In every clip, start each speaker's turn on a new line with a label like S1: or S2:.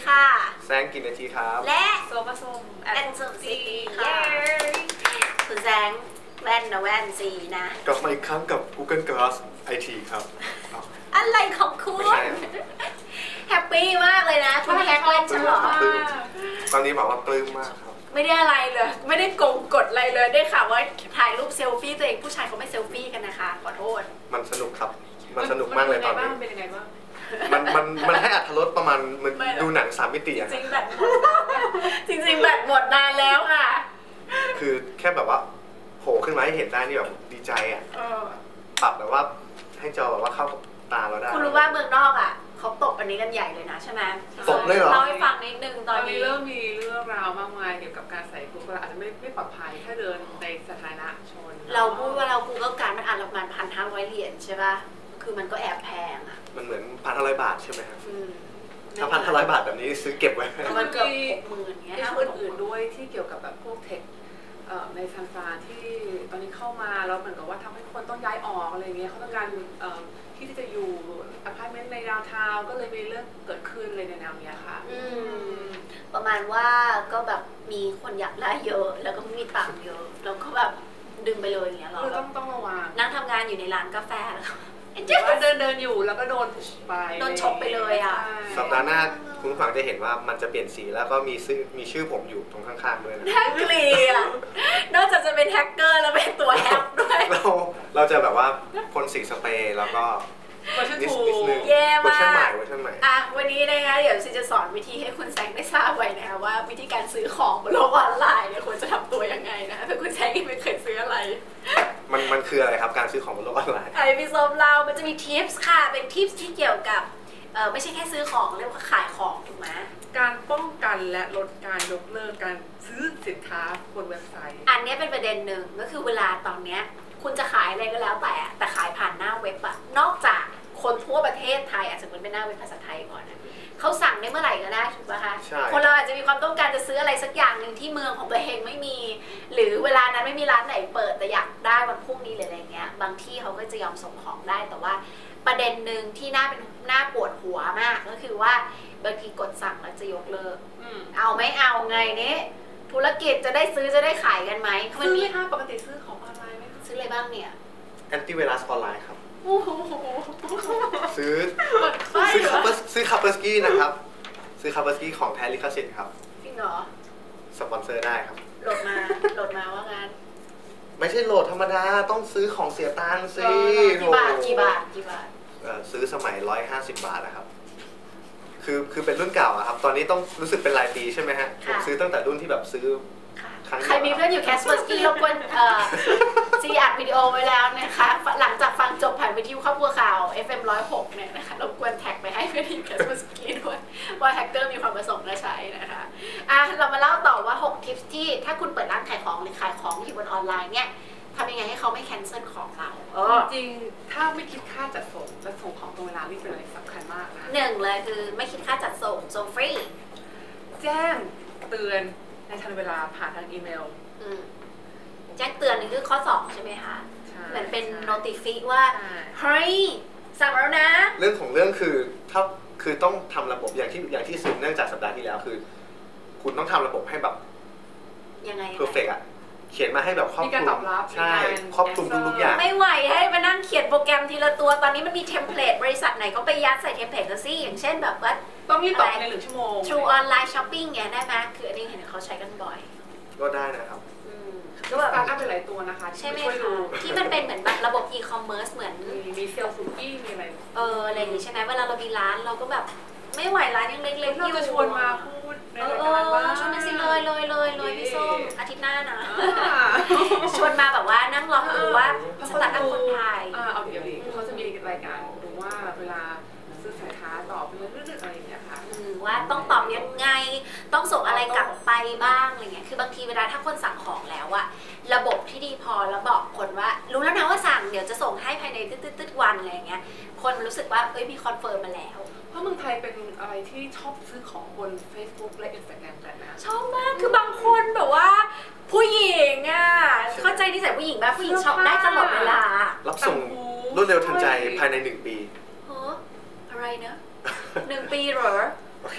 S1: ค่ะ
S2: แซงกินนาทีครับ
S1: และ
S3: โซมาส้ม
S1: แอนโซซีค่ะคุณแซงแว่นนะแว่นซีนะ
S2: กลับมาอีกครั้งกับ Google Glass IT ครับ
S1: อะไรของคุณแฮปปี้มากเลยนะคุณแฮกเล่นฉันเหรอ
S2: ตอนนี้บอกว่าปลื้มมากครับ
S1: ไม่ได้อะไรเลยไม่ได้กงกดอะไรเลยได้ข่าวว่าถ่ายรูปเซลฟี่ตัวเองผู้ชายเขาไม่เซลฟี่กันนะคะขอโทษ
S2: มันสนุกครับมันสนุกมากเลยตอนนี้
S3: เป็นยังไงบ้าง
S2: มันให้อรรถรสประมาณมันดูหนัง3 มิติอะ
S1: จริงแบตหมดจริงแบตหมดนานแล้วค่ะ
S2: คือแค่แบบว่าโผล่ขึ้นมาให้เห็นได้นี่แบบดีใจอะปรับแบบว่าให้จอแบบว่าเข้ากับตาเราได้
S1: คุณรู้ว่าเมืองนอกอะเขาตบอันนี้กันใหญ่เลยนะใช่ไหม
S2: ตบเลยเหรอ
S1: เล่าให้ฟังนิดนึงตอนนี้
S3: เริ่มมีเรื่องราวมากมายเกี่ยวกับการใส่กุ๊กอาจจะไม่ปลอดภัยถ้าเดินในสาธารณชน
S1: เราพูดว่าเรากูก็การมันอ่านประมาณ1,500 เหรียญใช่ป่ะคือมันก็แอบแพงอะ
S2: มันเหมือน1,500 บาทใช่ไหมครับถ้า1,500 บาทแบบนี้ซื้อเก็บไว้
S1: มันเกือบ60,000เงี้ย
S3: ถ้าอื่นๆด้วยที่เกี่ยวกับแบบพวกเทคในซานฟรานที่ตอนนี้เข้ามาแล้วเหมือนกับว่าทำให้คนต้องย้ายออกอะไรเงี้ยเขาต้องการที่จะอยู่อพาร์ตเมนต์ในดาวน์ทาวน์ก็เลยมีเรื่องเกิดขึ้นเลยในแนวนี้ค่ะ
S1: ประมาณว่าก็แบบมีคนอยากได้เยอะแล้วก็ไม่มีตังค์เยอะแล้วก็แบบดึงไปเลยอย่างเงี้ยเรา
S3: ต้องระวัง
S1: นั่งทำงานอยู่ในร้านกาแฟแล้ว
S3: ว่าเดินอยู่แล้วก็โดนไป
S1: โดนชกไปเลยอ่ะ
S2: สัปดาห์หน้าคุณผู้ฟังจะเห็นว่ามันจะเปลี่ยนสีแล้วก็มีชื่อผมอยู่ตรงข้างๆด้วยนะ
S1: น่าเกลียดนอกจากจะเป็นแฮกเกอร์แล้วเป็นตัวแฮกด้วย
S2: เราจะแบบว่าพ่นสีสเปรย์แล้วก็
S3: เวอร์ชันถูก
S1: แย่มาก
S2: เวอร์ชันใหม่
S1: วันนี้นะคะเดี๋ยวซิจะสอนวิธีให้คุณแซงได้ทราบไว้นะคะว่าวิธีการซื้อของบนโลกออนไลน์เนี่ยควรจะทำตัวยังไงนะถ้าคุณแซงไม่เคยซื้ออะไร
S2: มันคืออะไรครับการซื้อของบนโลกออนไลน์
S1: พี่ส้มเรามันจะมีทิปส์ค่ะเป็นทิปส์ที่เกี่ยวกับไม่ใช่แค่ซื้อของเรียกว่าขายของถูกไหม
S3: การป้องกันและลดการยกเลิกการซื้อสินค้าบนเว็บไซต์
S1: อันนี้เป็นประเด็นหนึ่งก็คือเวลาตอนเนี้ยคุณจะขายอะไรก็แล้วแต่ขายผ่านหน้าเว็บอะนอกจากคนทั่วประเทศไทยอาจจะเป็นหน้าเว็บภาษาไทยก่อนนะเขาสั่งได้เมื่อไหร่ก็ได้ถูกป่ะคะคนเราอาจจะมีความต้องการจะซื้ออะไรสักอย่างหนึ่งที่เมืองของตัวเองไม่มีหรือเวลานั้นไม่มีร้านไหนเปิดแต่อยากได้วันพรุ่งนี้หรืออะไรเงี้ยบางที่เขาก็จะยอมส่งของได้แต่ว่าประเด็นหนึ่งที่น่าปวดหัวมากก็คือว่าบางทีกดสั่งแล้วจะยกเลิกเอาไม่เอาไงนี้ธุรกิจจะได้ซื้อจะได้ขายกันไหม
S3: ซื้อไหมคะปกติซื้อของออนไลน์ไหม
S1: ซื้ออะไรบ้างเนี่ย
S2: แอนตี้ไวรัสออนไลน์ครับซื้อคัพเปอร์สกี้นะครับซื้อคัพเปอร์สกี้ของแท้ลิขสิทธิ์ครับ
S1: จริงเหรอ
S2: สปอนเซอร์ได้ครับ
S1: โหลดมาว่างั้น
S2: ไม่ใช่โหลดธรรมดาต้องซื้อของเสียตังค์สิ
S1: กี่บาท
S2: ซื้อสมัย150 บาทนะครับคือเป็นรุ่นเก่าอะครับตอนนี้ต้องรู้สึกเป็นรายปีใช่ไหมฮะผมซื้อตั้งแต่รุ่นที่แบบซื้อ
S1: ใครมีเพื่อนอยู่แคสเปอร์สกี้รบกวนซีอัดวิดีโอไว้แล้วนะคะหลังจากฟังจบผ่านวิทยุครอบครัวข่าว FM 106เนี่ยนะคะรบกวนแท็กไปให้เพื่อนอยู่แคสเปอร์สกี้ด้วยว่าแฮกเกอร์มีความประสงค์จะใช้นะคะเรามาเล่าต่อว่า6ทิปที่ถ้าคุณเปิดร้านขายของหรือขายของอยู่บนออนไลน์เนี่ยทำยังไงให้เขาไม่แคนเซิลของเรา
S3: จริงถ้าไม่คิดค่าจัดส่งและส่งของตรงเวลานี่เป็นอะไรสำคัญมากนะ
S1: 1เลยคือไม่คิดค่าจัดส่งฟรี
S3: แจ้งเตือนในทันเวลาผ่านทางอีเมล
S1: แจ้งเตือนนี่คือข้อ2ใช่ไหมคะเหมือนเป็นโนติฟิว่าเฮ้ยสั่งแล้วนะ
S2: เรื่องของเรื่องคือต้องทำระบบอย่างที่สืบเนื่องจากสัปดาห์ที่แล้วคือคุณต้องทำระบบให้แบบ
S1: ยังไง
S2: เพอร์เฟกต์อะเขียนมาให้แบบครอบคลุมใช่ครอบคลุมทุกอย่าง
S1: ไม่ไหวให้มานั่งเขียนโปรแกรมทีละตัวตอนนี้มันมีเทมเพลตบริษัทไหนก็ไปยัดใส่เทมเพลตกันสิอย่างเช่นแบบว่า
S3: ต้องมีตอบใน1 ชั่วโมง
S1: True Online Shopping เนี่ยได้ไหมคืออันนี้เห็นเขาใช้กันบ่อย
S2: ก็ได้นะครับ
S3: ก็แบบสตาร์ทอัพเป็นหลายตัวนะคะ
S1: ใช่ไหมคะที่มันเป็นเหมือนแบบระบบอีคอมเมิร์ซเหมือน
S3: มีเซลล์สุกี้มีอะไร
S1: อะไรอย่างนี้ใช่ไหมเวลาเรามีร้านเราก็แบบไม่ไหวร้านยังเล็กๆ
S3: เราจะชวนมาพูดในรายการว่า
S1: ชวนมาสิเลยพี่ส้มอาทิตย์หน้านะชวนมาแบบว่านั่งรอดูว่าสตาร์ทอัพคนไทย
S3: เอาเดี๋ยวเขาจะมีรายการดูว่าเวลาซื้อสินค้าตอบเรื่องอะไรอย่างเงี้ยค่ะ
S1: ว่าต้องตอบยังไงต้องส่งอะไรกลับไปบ้างอะไรเงี้ยคือบางทีเวลาถ้าคนสั่งของแล้วอะระบบที่ดีพอแล้วบอกคนว่ารู้แล้วนะว่าสั่งเดี๋ยวจะส่งให้ภายในตึ๊ดวันอะไรเงี้ยคนรู้สึกว่ามีคอนเฟิร์มมาแล้ว
S3: เพราะเมืองไทยเป็นอะไรที่ชอบซื้อของบน Facebook และ Instagram กันนะ
S1: ชอบมากคือบางคนแบบว่าผู้หญิงอะเข้าใจนิสัยผู้หญิงแบบผู้หญิงช็อปได้ตลอดเวลา
S2: รับส่งรวดเร็วทันใจภายใน1 ปี
S1: อะไรนะ1 ปีเหรอเดือน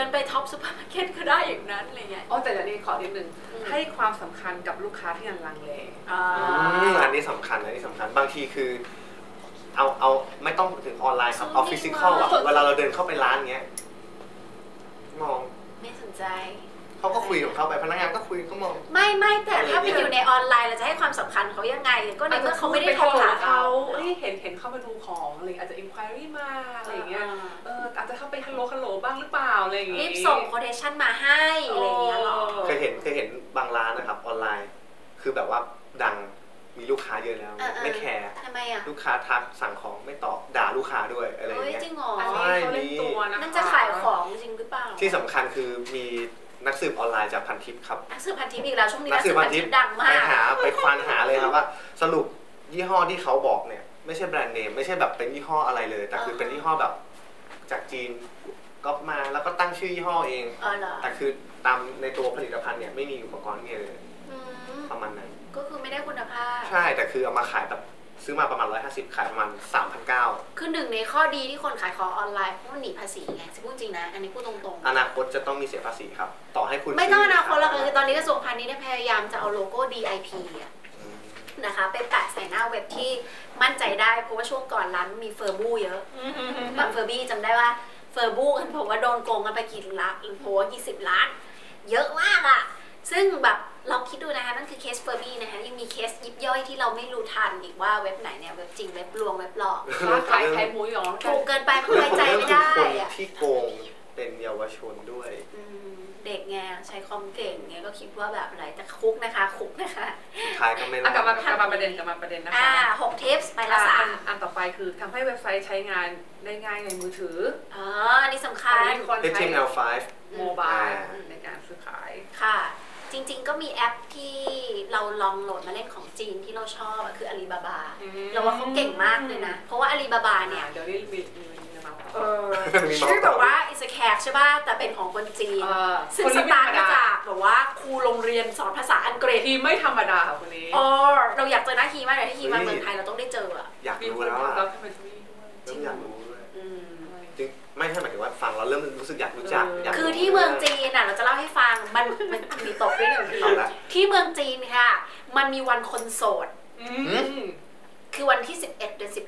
S1: ไปท็อปซูเปอร์มาร์เก็ตก็ได้อย่างนั้นอะไรเงี้ย
S3: อ๋อแต่เดี๋ยวนี้ขอนิดนึงให้ความสำคัญกับลูกค้าที่ยังลังเล
S2: อันนี้สำคัญบางทีคือเอาไม่ต้องถึงออนไลน์ครับเอาฟิสิกอลอะเวลาเราเดินเข้าไปร้านเงี้ยมอง
S1: ไม่สนใจ
S2: เขาก็คุยของเขาไปพนักงานก็คุยก็มอง
S1: ไม่แต่ถ้าไปอยู่ในออนไลน์เราจะให้ความสำคัญเขายังไงก็ในเมื่อเขาไม่ได้โทรหาเขา
S3: เห็นเข้ามาดูของอะไรอาจจะ inquiry มาอะไรอย่างเงี้ยอาจจะเข้าไปฮัลโหลบ้างหรือเปล่าอะไรอย่างเงี้ย
S1: รีบส่ง quotation มาให้อะไรอย่างเงี้ยหรอ
S2: เคยเห็นบางร้านนะครับออนไลน์คือแบบว่าดังมีลูกค้าเยอะแล้วไม่แคร์
S1: ทำไมอะ
S2: ลูกค้าทักสั่งของไม่ตอบด่าลูกค้าด้วยอะไรอย่างเงี้ย
S1: จริงเหรอ
S3: ใช่มี
S1: นั่นจะขายของจริงหรือเปล่า
S2: ที่สำคัญคือมีนักสืบออนไลน์จากพันทิปครับ
S1: นักสืบพันทิปอีกแล้วช่วงนี้นักสืบพันทิปดังมาก
S2: ไปควานหาเลยครับว่าสรุปยี่ห้อที่เขาบอกเนี่ยไม่ใช่แบรนด์เนมไม่ใช่แบบเป็นยี่ห้ออะไรเลยแต่คือเป็นยี่ห้อแบบจากจีนก๊อปมาแล้วก็ตั้งชื่อยี่ห้อเองแต่คือตามในตัวผลิตภัณฑ์เนี่ยไม่มีอุปกรณ์เนี่ยเลยประมาณนั้น
S1: ก็คือไม่ได้คุณภาพ
S2: ใช่แต่คือเอามาขายแบบซื้อมาประมาณ150ขายประมาณ 3,900
S1: คือหนึ่งในข้อดีที่คนขายของออนไลน์เพราะมันหนีภาษีไงจะพูดจริงนะอันนี้พูดตรง
S2: ๆอนาคตจะต้องมีเสียภาษีครับต่อให้คุณ
S1: ไม่ต้องอนาคตแล้วคือตอนนี้กระทรวงพาณิชย์พยายามจะเอาโลโก้ DIP นะคะไปแปะใส่หน้าเว็บที่มั่นใจได้เพราะว่าช่วงก่อนร้านมีเฟอร์บูเยอะบางเฟอร์บี้จำได้ว่าเฟอร์บูกันผมว่าโดนโกงกันไปกี่ล้านโห20 ล้านเยอะมากอะซึ่งแบบเราคิดดูนะคะนั่นคือเคสเฟอร์บี้นะคะยังมีเคสยิบย่อยที่เราไม่รู้ทันอีกว่าเว็บไหนเนี่ยเว็บจริงเว็บลวงเว็บหลอก
S3: ขายหมูหยอง
S1: ถูกเกินไปมันไว้ใจไม่ได้
S2: อะที่โกงเป็นเยาวชนด้วย
S1: เด็กไงใช้คอมเก่งไงก็คิดว่าแบบอะไรแต่คุกนะคะ
S2: ขายก็ไม่
S3: กลับมาประเด็นนะคะ
S1: 6 ทิปไปละ3
S3: อันต่อไปคือทำให้เว็บไซต์ใช้งานได้ง่ายในมือถือ
S1: อันนี้สำคัญ
S2: HTML5
S3: โมบายในการซื้อขาย
S1: ค่ะจริงๆก็มีแอปที่เราลองโหลดมาเล่นของจีนที่เราชอบคืออาลีบาบาเราว่าเขาเก่งมากเลยนะเพราะว่าอาลีบาบาเนี่ย
S3: เดี๋ยวนี้มี
S1: ชื่อแบบว่าอิสแขกใช่ป่ะแต่เป็นของคนจีนซึ่งสตาร์ทมาจากแบบว่าครูโรงเรียนสอนภาษาอังกฤษ
S3: ทีไม่ธรรมดาค่ะคนนี้
S1: เราอยากเจอหน้าทีมากเลยถ้าทีมาเมืองไทยเราต้องได้เจอ
S2: อยากรู้แล้วอ่ะจริงอยากรู้ด้วยจริงไม่ใช่หมายถึงว่าฟังเราเริ่มรู้สึกอยากรู้จัก
S1: คือที่เมืองจีนน่ะเราจะเล่าให้ฟังมันมีตกด้วย1 ทีที่เมืองจีนค่ะมันมีวันคนโสดคือวันที่11 เดือน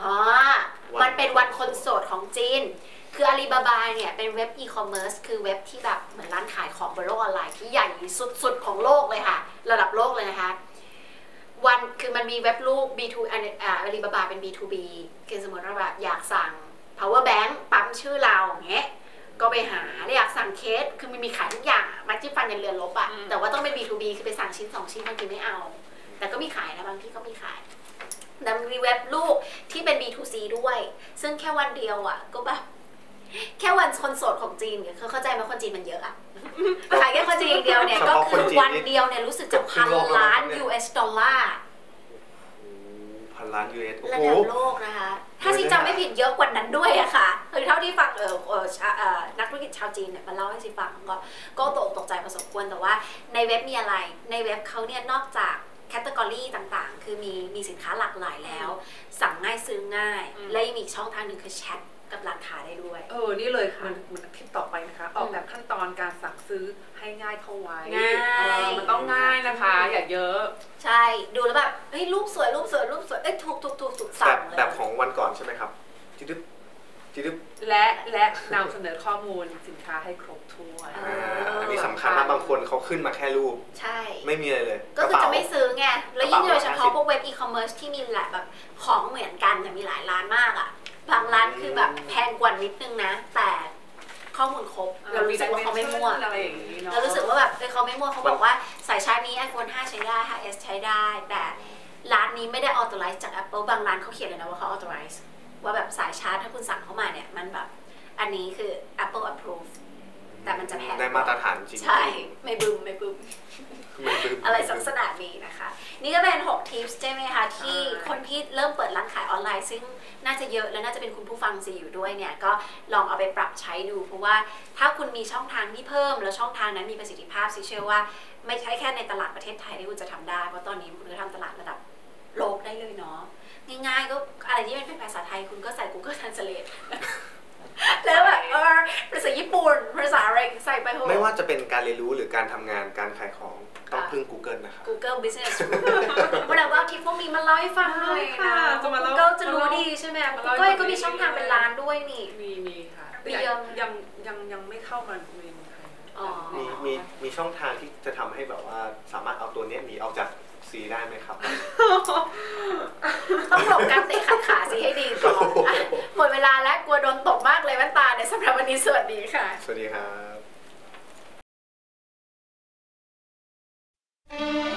S1: 11มันเป็นวันคนโสดของจีนคืออาลีบาบาเนี่ยเป็นเว็บอีคอมเมิร์ซคือเว็บที่แบบเหมือนร้านขายของบนโลกออนไลน์ที่ใหญ่สุดของโลกเลยค่ะระดับโลกเลยนะคะคือมันมีเว็บลูก B2 อาลีบาบาเป็น B2B คือสมมติว่าแบบอยากสั่ง power bank ปั๊มชื่อเราอย่างเงี้ยก็ไปหาอยากสั่งเคสคือมันมีขายทุกอย่างมัดจิ้มฟันยันเรือนลบอะแต่ว่าต้องเป็น B2B คือไปสั่งชิ้น2 ชิ้นบางทีไม่เอาแต่ก็มีขายนะบางที่ก็มีขายแต่มีเว็บลูกที่เป็น B2C ด้วยซึ่งแค่วันเดียวอ่ะก็แบบแค่วันคนโสดของจีนเนี่ยเข้าใจไหมคนจีนมันเยอะอ่ะขายแค่คนจีนเดียวเนี่ยก็คือวันเดียวเนี่ยรู้สึกจะ1,000 ล้าน US ดอลลาร์
S2: 1,000 ล้าน US
S1: ระดับโลกนะคะถ้าซีจำไม่ผิดเยอะกว่านั้นด้วยอะค่ะคือเท่าที่ฟังนักธุรกิจชาวจีนเนี่ยมาเล่าให้ซีฟังก็ตกใจพอสมควรแต่ว่าในเว็บมีอะไรในเว็บเขาเนี่ยนอกจากแคตตากรีต่างๆคือมีสินค้าหลากหลายแล้วสั่งง่ายซื้อง่ายและยังมีช่องทางหนึ่งคือแชทกับร้านค้าได้ด้วย
S3: นี่เลยมันคลิปต่อไปนะคะออกแบบขั้นตอนการสั่งซื้อให้ง่ายเข้าไว้มันต้องง่ายนะคะอย่าเยอะ
S1: ใช่ดูแล้วแบบเฮ้ยรูปสวยถูกสั่งเลย
S2: แบบของวันก่อนใช่ไหมครับ
S3: และนำเสนอข้อมูลสินค้าให้ครบถ้วน
S2: อันนี้สำคัญนะบางคนเขาขึ้นมาแค่รูป
S1: ใช่
S2: ไม่มีอะไรเลย
S1: ก็คือจะไม่ซื้อไงแล้วยิ่งโดยเฉพาะพวกเว็บอีคอมเมิร์ซที่มีหลายแบบของเหมือนกันแต่มีหลายร้านมากอ่ะบางร้านคือแบบแพงกว่านิดนึงนะแต่ข้อมูลครบเรารู้สึกว่าเขาไม่มั่วเรารู้สึกว่าแบบเขาไม่มั่วเขาบอกว่าสายชาร์จนี้ iPhone 5 ใช้ได้ 5S ใช้ได้แต่ร้านนี้ไม่ได้ authorize จาก Apple บางร้านเขาเขียนเลยนะว่าเขา authorizeว่าแบบสายชาร์จถ้าคุณสั่งเข้ามาเนี่ยมันแบบอันนี้คือ Apple approve แต่มันจะแพง
S2: ได้มาตรฐานจริง
S1: ใช่ไม่บึ้มอะไรลักษณะนี้นะคะนี่ก็เป็น6 ทิปใช่ไหมคะที่คนที่เริ่มเปิดร้านขายออนไลน์ซึ่งน่าจะเยอะและน่าจะเป็นคุณผู้ฟังซีอยู่ด้วยเนี่ยก็ลองเอาไปปรับใช้ดูเพราะว่าถ้าคุณมีช่องทางที่เพิ่มแล้วช่องทางนั้นมีประสิทธิภาพซิเชื่อว่าไม่ใช่แค่ในตลาดประเทศไทยที่คุณจะทำได้เพราะตอนนี้คุณก็ทำตลาดระดับโลกได้เลยเนาะง่ายๆก็อะไรที่เป็นภาษาไทยคุณก็ใส่ Google Translate แล้วแบบภาษาญี่ปุ่นปุ่นภาษาอะไรใส่ไปเถอะ
S2: ไม่ว่าจะเป็นการเรียนรู้หรือการทำงานการขายของต้องพึ่ง Google นะครับ
S1: Google Business School เวลาว่าคลิปพวกนี้มาเล่าให้ฟังหน่อยนะ Google จะรู้ดีใช่ไหม Google ก็มีช่องทางเป็นล้านด้วยนี่
S3: มีค่ะยังไม่เข้ามาในเมืองไทย
S2: มีช่องทางที่จะทำให้แบบว่าสามารถเอาตัวนี้หนีออกจากซีได้ไหมครับ
S1: ต้องหลบการเตะขัดขาซีให้ดีก่อนหมดเวลาแล้วกลัวโดนตกมากเลยแว่นตาในสำหรับวันนี้สวัสดีค่ะ
S2: สวัสดีครับ